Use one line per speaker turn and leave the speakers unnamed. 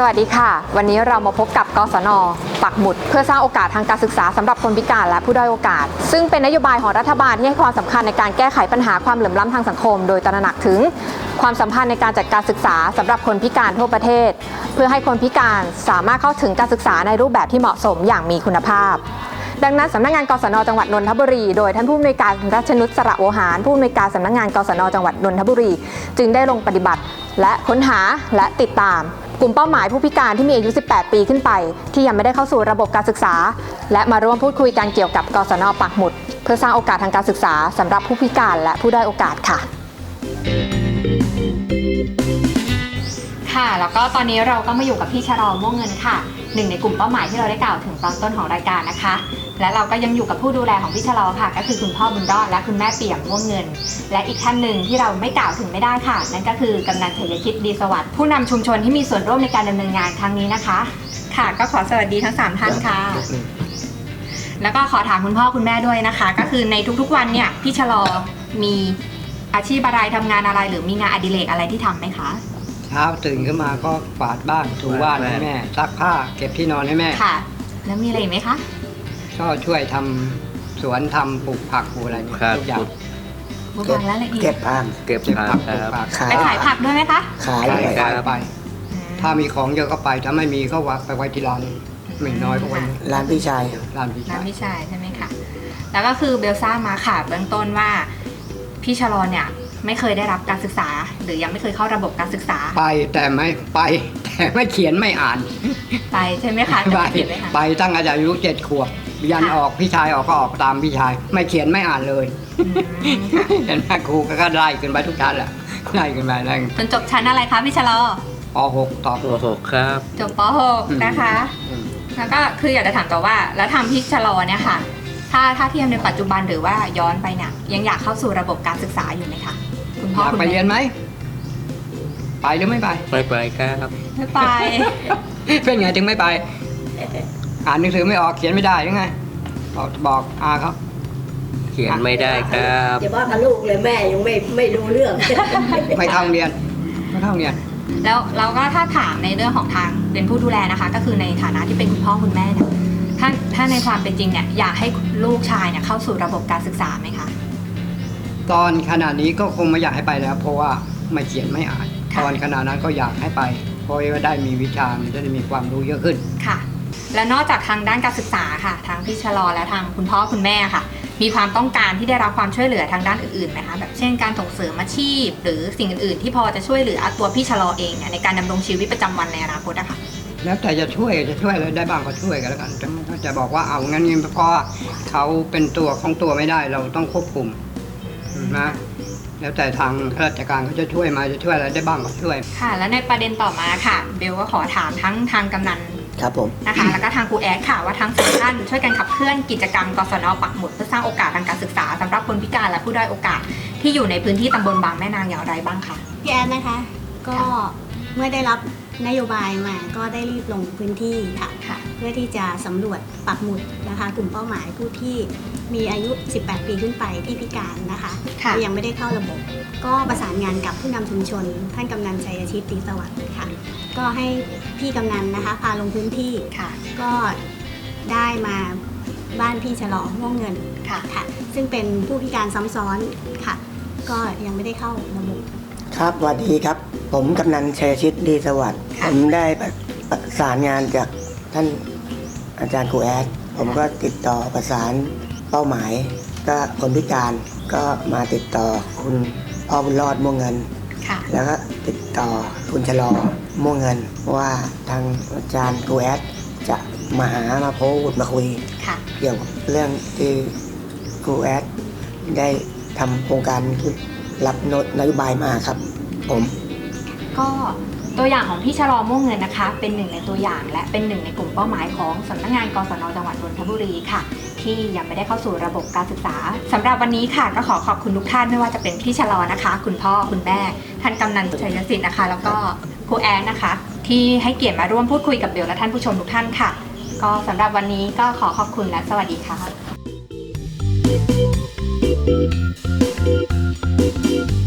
วัสดีค่ะวันนี้เรามาพบกับกศน.ปักหมุดเพื่อสร้างโอกาสทางการศึกษาสำหรับคนพิการและผู้ด้อยโอกาสซึ่งเป็นนโยบายของรัฐบาลที่ให้ความสำคัญในการแก้ไขปัญหาความเหลื่อมล้ำทางสังคมโดยตระหนักถึงความสัมพันธ์ในการจัดการศึกษาสำหรับคนพิการทั่วประเทศเพื่อให้คนพิการสามารถเข้าถึงการศึกษาในรูปแบบที่เหมาะสมอย่างมีคุณภาพดังนั้นสำนักงานกศน.จังหวัดนนทบุรีโดยท่านผู้อำนวยการรัชนุช สระโวหารผู้อำนวยการสำนักงานกศน.จังหวัดนนทบุรีจึงได้ลงปฏิบัติและค้นหาและติดตามกลุ่มเป้าหมายผู้พิการที่มีอายุ 18 ปีขึ้นไปที่ยังไม่ได้เข้าสู่ระบบการศึกษาและมาร่วมพูดคุยกันเกี่ยวกับกศน.ปักหมุดเพื่อสร้างโอกาสทางการศึกษาสำหรับผู้พิการและผู้ด้อยโอกาสค่ะค่ะแล้วก็ตอนนี้เราก็มาอยู่กับพี่ชะลอม่วงเงินค่ะหนึ่งในกลุ่มเป้าหมายที่เราได้กล่าวถึงตอนต้นของรายการนะคะและเราก็ยังอยู่กับผู้ดูแลของพี่ชะลอค่ะก็คือคุณพ่อบุญรอดและคุณแม่เปี่ยมม่วงเงินและอีกท่านหนึ่งที่เราไม่กล่าวถึงไม่ได้ค่ะนั่นก็คือกำนันชัยชิตดีสวัสดิ์ผู้นำชุมชนที่มีส่วนร่วมในการดำเนินงานครั้งนี้นะคะค่ะก็ขอสวัสดีทั้ง3ท่านค่ะแล้วก็ขอถามคุณพ่อคุณแม่ด้วยนะคะก็คือในทุกๆวันเนี่ยพี่ชะลอมีอาชีพอะไรทำงานอะไรหรือมีงานอดิเรกอะไรที่ทำไหมคะ
เช้าตื่นขึ้นมาก็กวาดบ้านถูบ้านให้แม่ซักผ้าเก็บที่นอนให้แม่
ค่ะแล้วมีอะไรอีกไหมคะ
ก็ช่วยทำสวนทำปลูกผักปลูกอะไรทุกอย่าง
ปลูกผักแล้วอะไรอีก
เก็บผัก
ไปขายผักด้วยไหมคะ
ขาย
ไปถ้ามีของเยอะก็ไปถ้าไม่มีก็ไปไว้ที่ร้านไม่น้อยก็ไว้
ร้านพี่ชาย
ร้านพี่
ชายใช่ไหมคะแล้วก็คือเบลซ่ามาค่ะเบื้องต้นว่าพี่ชะลอเนี่ยไม่เคยได้รับการศึกษาหรือยังไม่เคยเข้าระบบการศึกษา
ไปแต่ไม่เขียนไม่อ่าน
ไปใช่ไหมคะ
ไปตั้งอายุ7 ขวบยันออกพี่ชายออกก็ออกตามพี่ชายไม่เขียนไม่อ่านเลยเห็นไหมครูก็ไล่ขึ้นไปทุกชั้นแหละไล่ขึ้นไปไล่
จนจบชั้นอะไรคะพี่ชะลอ
ป .6 ต่อ
ป .6 ครับ
จบป .6 นะคะแล้วก็คืออยากจะถามต่อว่าแล้วทางพี่ชะลอเนี่ยค่ะถ้าเทียบในปัจจุบันหรือว่าย้อนไปเนี่ยยังอยากเข้าสู่ระบบการศึกษาอยู่ไหมคะคุณพ่อ
คุณแม่ไปเรียนไหมไปหรือไม่ไป
ไม่ไปครับ
ไม่ไป
เป็นไงถึงไม่ไปอ่านหนังสือไม่ออกเขียนไม่ได้ยังไงบอกครับ
เขียนไม่ได้ครับ
อย่าว่ากับลูกเลยแม่ยังไม่รู้เรื่อง
ไม่เข้าเรียน
แล้วเราก็ถ้าถามในเรื่องของทางเป็นผู้ดูแลนะคะก็คือในฐานะที่เป็นคุณพ่อคุณแม่เนี่ยถ้าในความเป็นจริงเนี่ยอยากให้ลูกชายเนี่ยเข้าสู่ระบบการศึกษาไหมคะ
ตอนขณะนี้ก็คงไม่อยากให้ไปแล้วเพราะว่าไม่เขียนไม่อ่านตอนขณะนั้นก็อยากให้ไปเพราะว่าได้มีวิชาจะได้มีความรู้เยอะขึ้น
ค่ะและนอกจากทางด้านการศึกษาค่ะทางพี่ชะลอและทางคุณพ่อคุณแม่ค่ะมีความต้องการที่ได้รับความช่วยเหลือทางด้านอื่นๆไหมคะแบบเช่นการส่งเสริมอาชีพหรือสิ่งอื่นๆที่พอจะช่วยเหลือตัวพี่ชะลอเองเนี่ยในการดำรงชีวิตประจำวันในอนาคตอะค่ะ
แล้วแต่จะช่วยอะไรได้บ้างก็ช่วยกันแล้วกันจะบอกว่าเอางั้นนี่เพราะเขาเป็นตัวของตัวไม่ได้เราต้องควบคุมนะแล้วแต่ทางข้าราชการเขาจะช่วยมาจะช่วยอะไรได้บ้างก็ช่วย
ค่ะแล้วในประเด็นต่อมาค่ะเบลก็ขอถามทั้งทางกำนัน
ครับผม
นะคะแล้วก็ทางครูแอดค่ะว่าทั้ง4ท่านช่วยกันขับเคลื่อนกิจกรรมกศน.ปักหมุดเพื่อสร้างโอกาสทางการศึกษาสำหรับคนพิการและผู้ด้อยโอกาสที่อยู่ในพื้นที่ตำบลบางแม่นางอย่างไรบ้างคะ
พี่แอดนะคะก็เมื่อได้รับนโยบายมาก็ได้รีบลงพื้นที่ค่ะเพื่อที่จะสำรวจปักหมุดนะคะกลุ่มเป้าหมายผู้ที่มีอายุ 18 ปีขึ้นไปที่พิการนะคะยังไม่ได้เข้าระบบก็ประสานงานกับผู้นำชุมชนท่านกำนันชัยชิตดีสวัสดิ์ค่ะก็ให้พี่กำนันนะคะพาลงพื้นที่ค่ะก็ได้มาบ้านพี่ชะลอม่วงเงินค่ะซึ่งเป็นผู้พิการซ้ำซ้อนค่ะก็ยังไม่ได้เข้าระบบ
ครับสวัสดีครับผมกำนันชัยชิตดีสวัสดิ์ผมได้ประสานงานจากท่านอาจารย์ครูแอดผมก็ติดต่อประสานเป้าหมายก็คนพิการก็มาติดต่อคุณพ่อบุญรอดม่วงเงินแล้วก็ติดต่อคุณชะลอม่วงเงินว่าทางอาจารย์ครูแอดจะมาพูดมาคุยเกี่ยวกับเรื่องที่ครูแอดได้ทำโครงการรับนโยบายมาครับผม
ก็ตัวอย่างของพี่ชะลอม่วงเงินนะคะเป็นหนึ่งในตัวอย่างและเป็นหนึ่งในกลุ่มเป้าหมายของสำนักงานกศน.จังหวัดนนทบุรีค่ะที่ยังไม่ได้เข้าสู่ระบบการศึกษาสำหรับวันนี้ค่ะก็ขอขอบคุณทุกท่านไม่ว่าจะเป็นพี่ชะลอนะคะคุณพ่อคุณแม่ท่านกำนันชัยสิทธิ์นะคะแล้วก็ครูแอนนะคะที่ให้เกียรติมาร่วมพูดคุยกับเบลและท่านผู้ชมทุกท่านค่ะก็สำหรับวันนี้ก็ขอขอบคุณและสวัสดีค่ะ